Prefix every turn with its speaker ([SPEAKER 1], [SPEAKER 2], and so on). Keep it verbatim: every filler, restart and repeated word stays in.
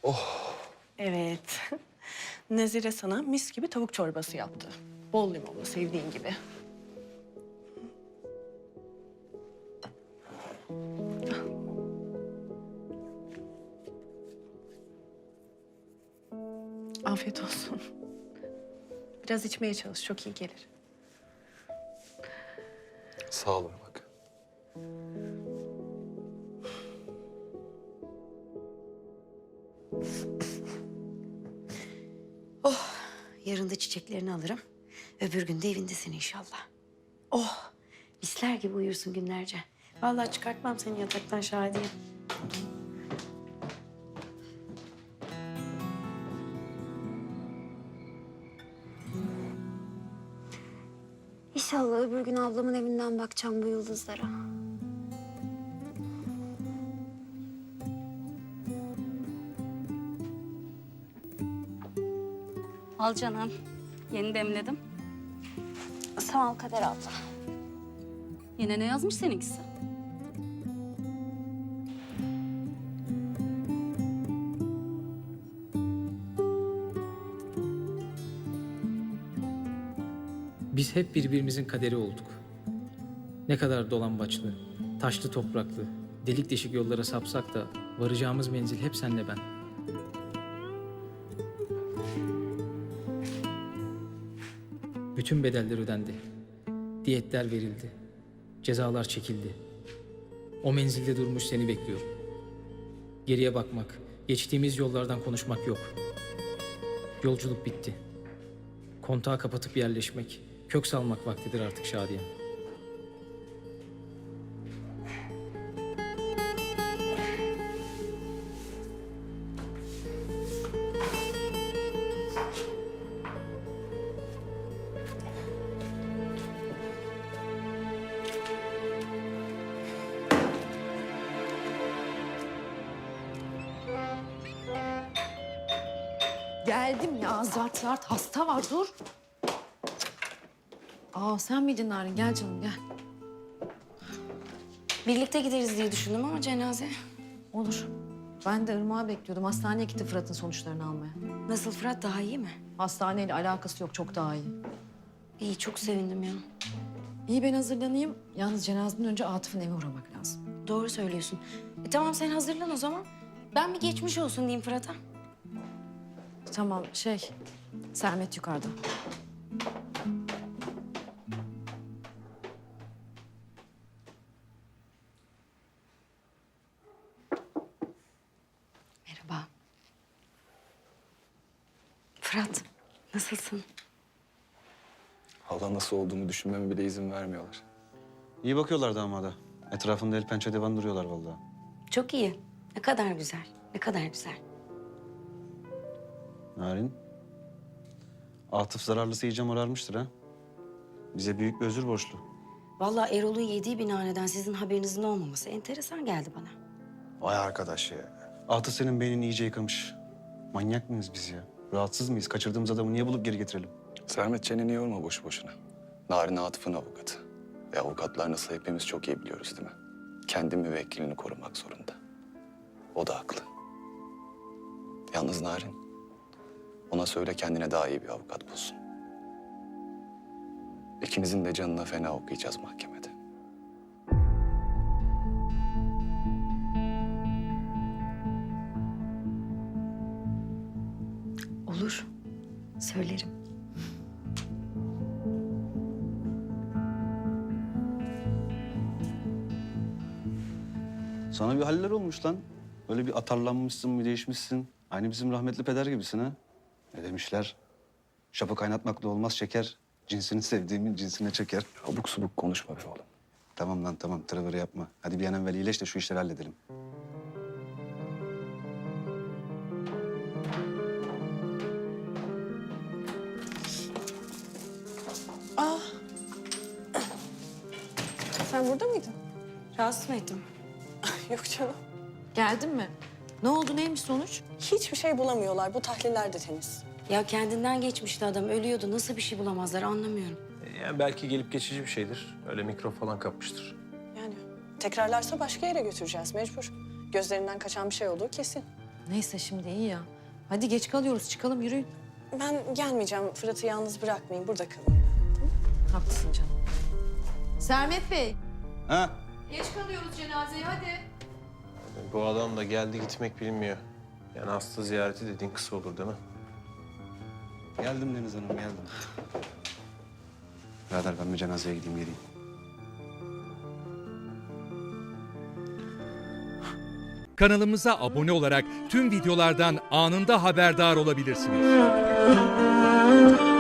[SPEAKER 1] Evet. Nezire sana mis gibi tavuk çorbası yaptı. Bol limonlu, sevdiğin gibi. Afiyet olsun. Biraz içmeye çalış, çok iyi gelir.
[SPEAKER 2] Sağ olun bak.
[SPEAKER 3] Yarın da çiçeklerini alırım. Öbür gün de evindesin inşallah. Oh, misler gibi uyursun günlerce. Vallahi çıkartmam seni yataktan Şadiye. İnşallah öbür gün ablamın evinden bakacağım bu yıldızlara.
[SPEAKER 4] Al canım. Yeni demledim.
[SPEAKER 3] Sağ ol Kader abla.
[SPEAKER 4] Yine ne yazmış seninkisi?
[SPEAKER 5] Biz hep birbirimizin kaderi olduk. Ne kadar dolambaçlı, taşlı topraklı, delik deşik yollara sapsak da varacağımız menzil hep senle ben. Bütün bedeller ödendi. Diyetler verildi. Cezalar çekildi. O menzilde durmuş seni bekliyorum. Geriye bakmak, geçtiğimiz yollardan konuşmak yok. Yolculuk bitti. Kontağı kapatıp yerleşmek, kök salmak vaktidir artık Şadiye.
[SPEAKER 6] Geldim ya, zart zart hasta var, dur. Aa, sen miydin Narin? Gel canım, gel.
[SPEAKER 3] Birlikte gideriz diye düşündüm ama cenaze.
[SPEAKER 6] Olur. Ben de Irmak'ı bekliyordum. Hastaneye gitti Fırat'ın sonuçlarını almaya.
[SPEAKER 3] Nasıl Fırat, daha iyi mi?
[SPEAKER 6] Hastaneyle alakası yok, çok daha iyi.
[SPEAKER 3] İyi, çok sevindim ya.
[SPEAKER 6] İyi, ben hazırlanayım. Yalnız cenazeden önce Atıf'ın eve uğramak lazım.
[SPEAKER 3] Doğru söylüyorsun. E, tamam, sen hazırlan o zaman. Ben bir geçmiş olsun diyeyim Fırat'a.
[SPEAKER 6] Tamam, şey, Sermet yukarıda.
[SPEAKER 3] Merhaba. Fırat, nasılsın?
[SPEAKER 2] Hala nasıl olduğumu düşünmeme bile izin vermiyorlar.
[SPEAKER 7] İyi bakıyorlar damada. Etrafında el pençe divan duruyorlar vallahi.
[SPEAKER 3] Çok iyi. Ne kadar güzel, ne kadar güzel.
[SPEAKER 7] Narin. Atıf zararlısı iyice morarmıştır ha. Bize büyük bir özür borçlu.
[SPEAKER 3] Vallahi Erol'un yediği binaneden sizin haberinizin olmaması enteresan geldi bana.
[SPEAKER 7] Vay arkadaş ya. Atıf senin beynini iyice yıkamış. Manyak mıyız biz ya? Rahatsız mıyız? Kaçırdığımız adamı niye bulup geri getirelim?
[SPEAKER 2] Sermet çeneni yorma boşu boşuna. Narin Atıf'ın avukatı. Ve avukatlar nasıl hepimiz çok iyi biliyoruz değil mi? Kendi müvekkilini korumak zorunda. O da haklı. Yalnız Narin, ona söyle kendine daha iyi bir avukat bulsun. İkinizin de canına fena okuyacağız mahkemede.
[SPEAKER 3] Olur, söylerim.
[SPEAKER 7] Sana bir haller olmuş lan. Böyle bir atarlanmışsın, bir değişmişsin. Aynı bizim rahmetli peder gibisin ha. Ne demişler? Şapı kaynatmakla olmaz şeker. Cinsini sevdiğimin cinsine çeker.
[SPEAKER 2] Abuk subuk konuşma be oğlum.
[SPEAKER 7] Tamam lan tamam, tırıvırı yapma. Hadi bir an evvel iyileş de şu işleri halledelim.
[SPEAKER 1] Sen burada mıydın?
[SPEAKER 3] Rahatsız mı ettim?
[SPEAKER 1] Yok canım.
[SPEAKER 6] Geldin mi? Ne oldu, neymiş sonuç?
[SPEAKER 1] Hiçbir şey bulamıyorlar. Bu tahliller de temiz.
[SPEAKER 3] Ya kendinden geçmişti adam, ölüyordu. Nasıl bir şey bulamazlar anlamıyorum.
[SPEAKER 8] Yani belki gelip geçici bir şeydir. Öyle mikrop falan kapmıştır.
[SPEAKER 1] Yani tekrarlarsa başka yere götüreceğiz mecbur. Gözlerinden kaçan bir şey olduğu kesin.
[SPEAKER 6] Neyse şimdi iyi ya. Hadi geç kalıyoruz çıkalım yürüyün.
[SPEAKER 1] Ben gelmeyeceğim. Fırat'ı yalnız bırakmayın. Burada kalın.
[SPEAKER 6] Haklısın canım. Sermet Bey.
[SPEAKER 7] Ha?
[SPEAKER 6] Geç kalıyoruz cenazeye hadi.
[SPEAKER 8] Bu adam da geldi gitmek bilmiyor. Yani hasta ziyareti dediğin kısa olur değil mi?
[SPEAKER 7] Geldim Deniz Hanım, geldim. Birader ben bir cenazeye gideyim geleyim.
[SPEAKER 9] Kanalımıza abone olarak tüm videolardan anında haberdar olabilirsiniz.